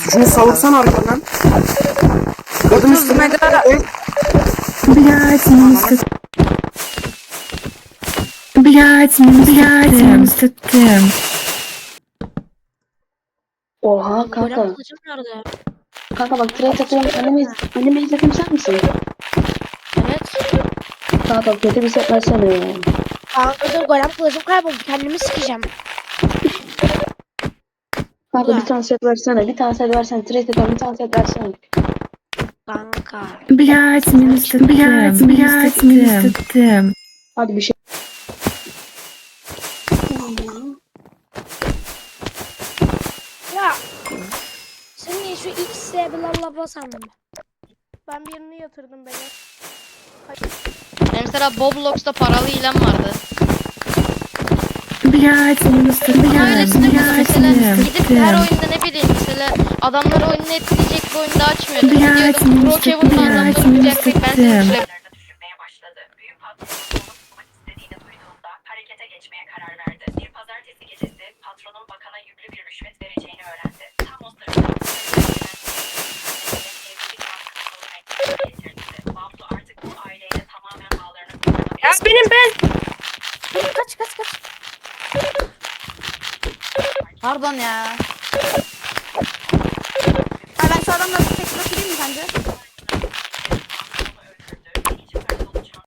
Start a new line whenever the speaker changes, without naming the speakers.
Şunu savursan arkadan. Adım
30
üstüne.
mega.
Блядь, sıktım.
Oha kanka.
Golem kılıcım nerede?
Kanka bak trade atıyorum. Anime izledim sen misin?
Evet.
Kanka kötü bir set versene ya.
Kanka dur golem kılıcım kayboldu. Kendimi sikeceğim.
Kanka
Ulan.
bir tane set versene. Bir tane set versene. Trade atıyorum. Bir tane set versene.
Kanka.
Блядь, sıktım.
Hadi bir şey.
Ya. Senin şu X bla sandım.
Ben birini yatırdım beni.
Mesela Boblox'ta paralı ilan vardı.
Блядь,
Öylesine mesela gidip her
sıktım.
oyunda ne bileyim mesela adamları oyunu etkileyecek bir oyunda açmıyordum.
Блядь,
Gidiyordum Brokehaven'la adamları vuracaktık ben seni
sıktım.
düşürebilirim.
Düşünmeye başladı. Büyük patronun onu bulmak istediğini duyduğunda harekete geçmeye karar verdi. Bir pazartesi gecesi patronun bakana yüklü bir rüşvet vereceğini öğrendi. Tam o sırada Baflu artık bu aileyle tamamen bağlarını kurtarmak.
Ya benim ben.
Kaç.
Pardon ya. Ha ben şu adamla tek bakayım mı sence?